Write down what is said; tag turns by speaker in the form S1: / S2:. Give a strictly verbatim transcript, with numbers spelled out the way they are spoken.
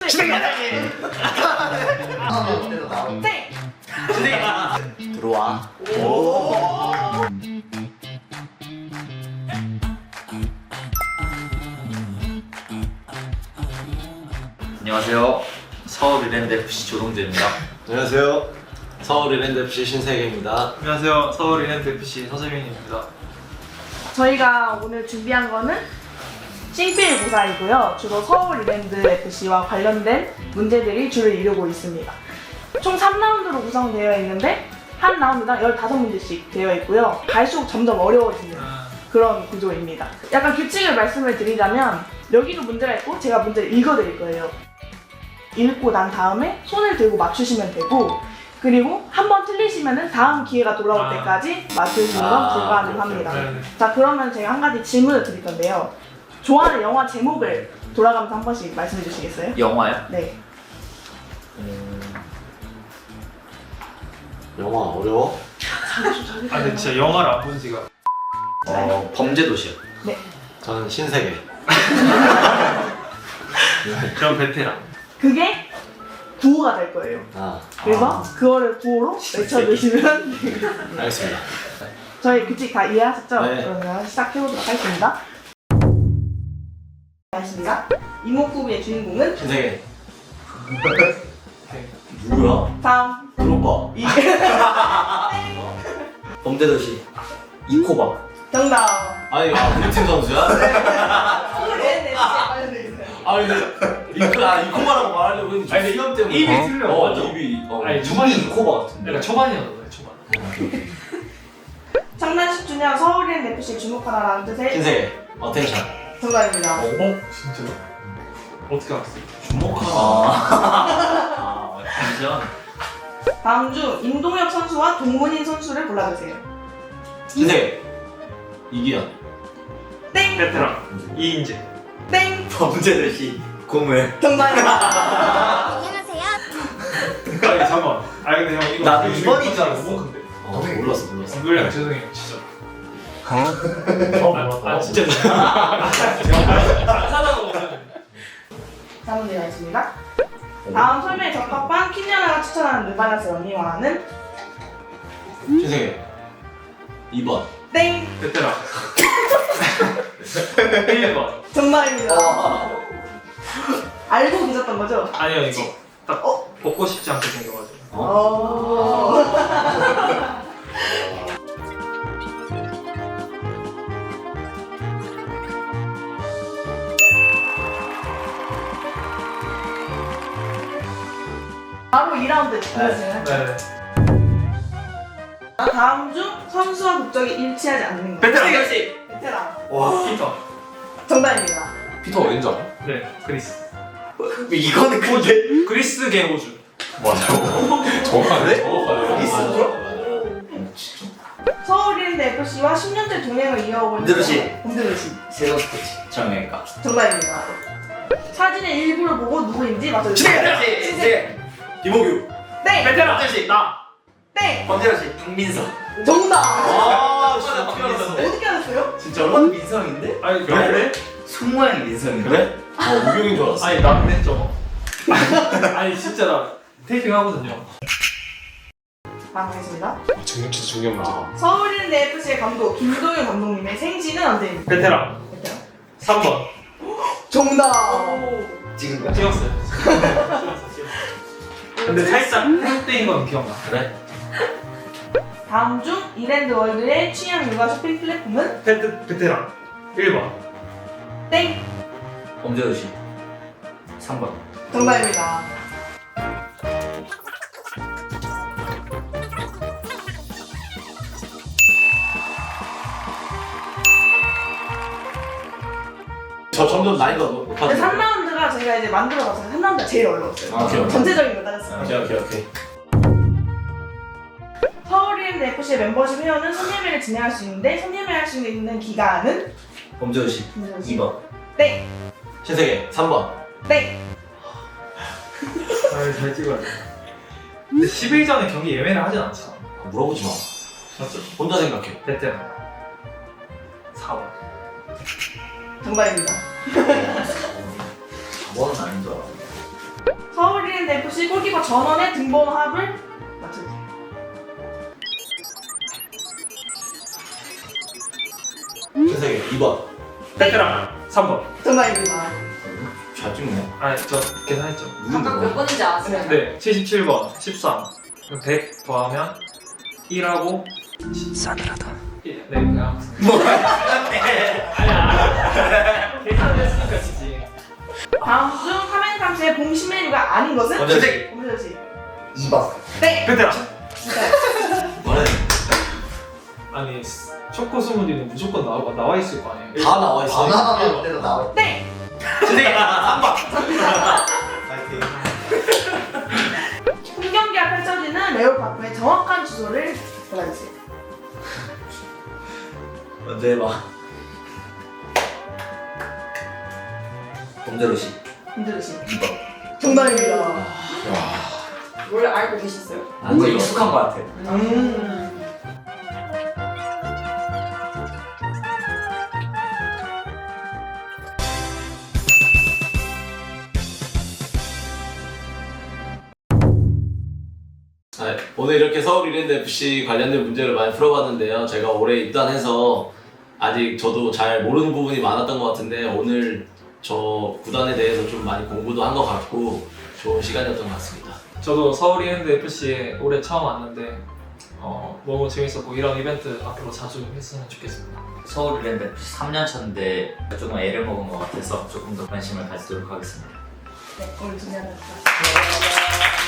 S1: 땡!
S2: 들어와.
S3: 안녕하세요. 서울 이랜드 에프씨 조동재입니다.
S2: 안녕하세요. 서울 이랜드 에프씨 신세계입니다.
S4: 안녕하세요. 서울 이랜드 에프씨 서재민입니다.
S1: 저희가 오늘 준비한 거는 싱필고사이고요. 주로 서울 이랜드 에프씨와 관련된 문제들이 주를 이루고 있습니다. 총 삼 라운드로 구성되어 있는데 한 라운드당 열다섯 문제씩 되어 있고요. 갈수록 점점 어려워지는 그런 구조입니다. 약간 규칙을 말씀을 드리자면 여기도 문제가 있고 제가 문제를 읽어드릴 거예요. 읽고 난 다음에 손을 들고 맞추시면 되고, 그리고 한 번 틀리시면 다음 기회가 돌아올
S4: 아.
S1: 때까지 맞추시는 건
S2: 아,
S1: 불가능합니다.
S4: 오케이, 오케이.
S1: 자, 그러면 제가 한 가지 질문을 드릴 건데요. 좋아하는 영화 제목을 돌아가면서 한 번씩 말씀해 주시겠어요?
S3: 영화요?
S1: 네.
S2: 영화 어려워?
S4: 아 근데 진짜 영화를 안 본 지가
S3: 어, 범죄도시요.
S1: 네.
S2: 저는 신세계.
S4: 그런 베테랑.
S1: 그게 구호가 될 거예요.
S2: 아,
S1: 그래서 그거를 구호로 외쳐주시면 되겠습니다.
S2: 알겠습니다.
S1: 저희 규칙 다 이해하셨죠?
S2: 네.
S1: 그러면 시작해보도록 하겠습니다. 알겠습니다. 이목구비의 주인공은
S2: 신세계.
S3: 누구야?
S1: 다음
S2: 그룹버.
S1: 이
S3: 범죄도시. 이코바.
S1: 정답.
S2: 아니, 아, 우리 팀 선수야?
S1: 네, 네, 관련돼 있어요.
S2: 아니, 근데 이코, 아, 이코바라고 말하려고 했는데
S4: 아니, 근데
S2: 시험 때문에.
S4: 입이 틀려.
S2: 어,
S4: 맞아.
S2: 입이. 어,
S4: 아니,
S2: 입이
S4: 초반에
S2: 이코바 같은데.
S4: 그러니까 초반이었어요. 초반.
S1: 창단 십 주년 서울이랜드 에프씨 주목하라라는 뜻의
S2: 신세계. 어텐션.
S1: 정답입니다.
S4: 어? 진짜요? 어떻게 알았어요?
S2: 주목하나.
S3: 아, 완전.
S1: 다음 중 임동혁 선수와 동문인 선수를 골라주세요.
S2: 신세계. 이기현.
S1: 땡!
S4: 베테랑. 이인재.
S1: 땡!
S3: 범죄도시. 고물.
S1: 정답입니다.
S5: 안녕하세요.
S4: 아니 잠깐. 아니 근데 형 이거
S3: 나도
S4: 이거
S3: 이번인
S4: 이거
S3: 줄 알았어.
S4: 못 근데.
S2: 어, 몰랐어, 몰랐어.
S4: 정글량 죄송해요 진짜.
S2: 어,
S4: 아, 아 진짜 죄송해요. 안 사다가 오늘.
S1: 다음 문제 가겠습니다. 다음 설명에 적합한 퀸야나가 추천하는 르바나스 런닝화는
S2: 신세계. 이 번.
S1: 땡!
S4: 베테랑. 일 번.
S1: 정답입니다. 알고 계셨던 거죠?
S4: 아니요 이거 딱
S1: 어?
S4: 벗고 싶지 않게 생겨가지고.
S1: 어. 바로 이 라운드 끝났어요.
S4: 네.
S1: 다음 중 선수와 국적이 일치하지 않는 것.
S4: 베테랑.
S1: 베테랑.
S4: 와. 피터.
S1: 정답입니다.
S2: 피터 어딘 줄 알아?
S4: 네. 그리스.
S3: 이거는
S4: 호주. 그리스계 호주.
S2: 맞아. 정확하네? 정확하네.
S3: 그리스죠?
S1: 서울이랜드 에프씨와 십 년째 동행을 이어오고 있는
S3: 범죄도시.
S1: 범죄도시.
S3: 세종 스포츠. 정형외과.
S1: 정답입니다. 사진의 일부를 보고 누구인지 맞춰주세요.
S3: 범죄도시. 네. 김호규.
S1: 땡!
S4: 베테랑. 나.
S1: 땡!
S3: 범죄도시. 박민서.
S1: 정답!
S2: 아, 진짜
S3: 어떻게
S2: 박민서.
S1: 어떻게 알았어요?
S3: 진짜로? 민성인데?
S4: 아니
S2: 그래?
S3: 손 모양이 민성인데?
S2: 그래? 어, 우경인 줄 알았어.
S4: 아니 나는 저거. 아니 진짜 나 테이핑 하거든요.
S1: 다음 가겠습니다.
S2: 중요치 중요한 문제.
S1: 서울이랜드 에프씨의 감독 김동현 감독님의 생신은 언제입니까?
S4: 베테랑.
S1: 베테랑.
S4: 삼 번.
S1: 정답!
S3: 지금
S4: 찍었어요. 찍었어 찍었어. 근데 살짝 땡땡인 건 기억나.
S2: 그래?
S1: 다음 중 이랜드 월드의 취향 육아 쇼핑 플랫폼은?
S4: 베트 베테랑. 일 번.
S1: 땡!
S3: 범죄도시. 삼 번.
S1: 정답입니다.
S2: 저 점점 나이가
S1: 근데
S2: 높아지네.
S1: 삼 라운드가 저희가 이제 만들어봤어요. 삼 라운드가 제일 어려웠어요.
S2: 아, 오케이, 오케이.
S1: 전체적인 거 따졌어요.
S2: 오케이 오케이 오케이.
S1: 서울이랜드 에프씨의 멤버십 회원은 손예매를 진행할 수 있는데 손예매할 수 있는 기간은?
S3: 범죄도시. 이 번.
S1: 땡!
S2: 신세계 삼 번.
S1: 땡!
S4: 아잘 찍어야 돼. 근데 십 일 전에 경기 예매를 하진 않잖아.
S2: 물어보지 마.
S4: 맞죠?
S2: 혼자 생각해.
S4: 베테랑. 사 번.
S1: 정답입니다.
S3: 사 번은 아닌 줄 알아.
S1: 서울이랜드 에프씨 골키퍼 전원의 등번호합을 맞춰주세요.
S2: 신세계 이 번.
S4: 베테랑 삼 번.
S1: 정답입니다.
S3: 잘 찍네.
S4: 아니 저 계산했죠.
S5: 각각 몇 번인지 아세요?
S4: 네, 칠십칠 번, 십삼. 그럼 백 더하면 일하고
S3: 싸늘하다.
S4: 일. 네, 그냥. 아니야. 계산을 했으니까 지지.
S1: 다음 중 카멘탐스의 봉신 메뉴가 아닌 것은?
S2: 엄지식.
S1: 엄지식.
S3: 이 번.
S1: 네.
S4: 베테랑.
S2: 뭐래?
S4: 아니 초코 스무디는 무조건 나와 나와 있을 거 아니에요.
S2: 다 나와 있어.
S3: 바나나 때도 나와.
S1: 네.
S2: 신세계 삼 번. 파이팅.
S1: 홈경기가 펼쳐지는 레오파크의 정확한 주소를 골라주세요.
S3: 먼저 해봐. 범죄도시
S1: 엄지식.
S3: 이 번.
S1: 정답입니다.
S5: 원래 알고 계셨어요?
S3: 뭔가 익숙한 것 같아.
S1: 음.
S2: 네, 오늘 이렇게 서울 이랜드 에프씨 관련된 문제를 많이 풀어봤는데요. 제가 올해 입단해서 아직 저도 잘 모르는 부분이 많았던 것 같은데 오늘 저 구단에 대해서 좀 많이 공부도 한 것 같고 좋은 시간이었던 것 같습니다.
S4: 저도 서울 이랜드 에프씨에 올해 처음 왔는데 어, 너무 재밌었고 이런 이벤트 앞으로 자주 했으면 좋겠습니다.
S3: 서울 이랜드 삼 년 차인데 조금 애를 먹은 것 같아서 조금 더 관심을 가지도록 하겠습니다.
S1: 네, 오늘 준비하셨습니다.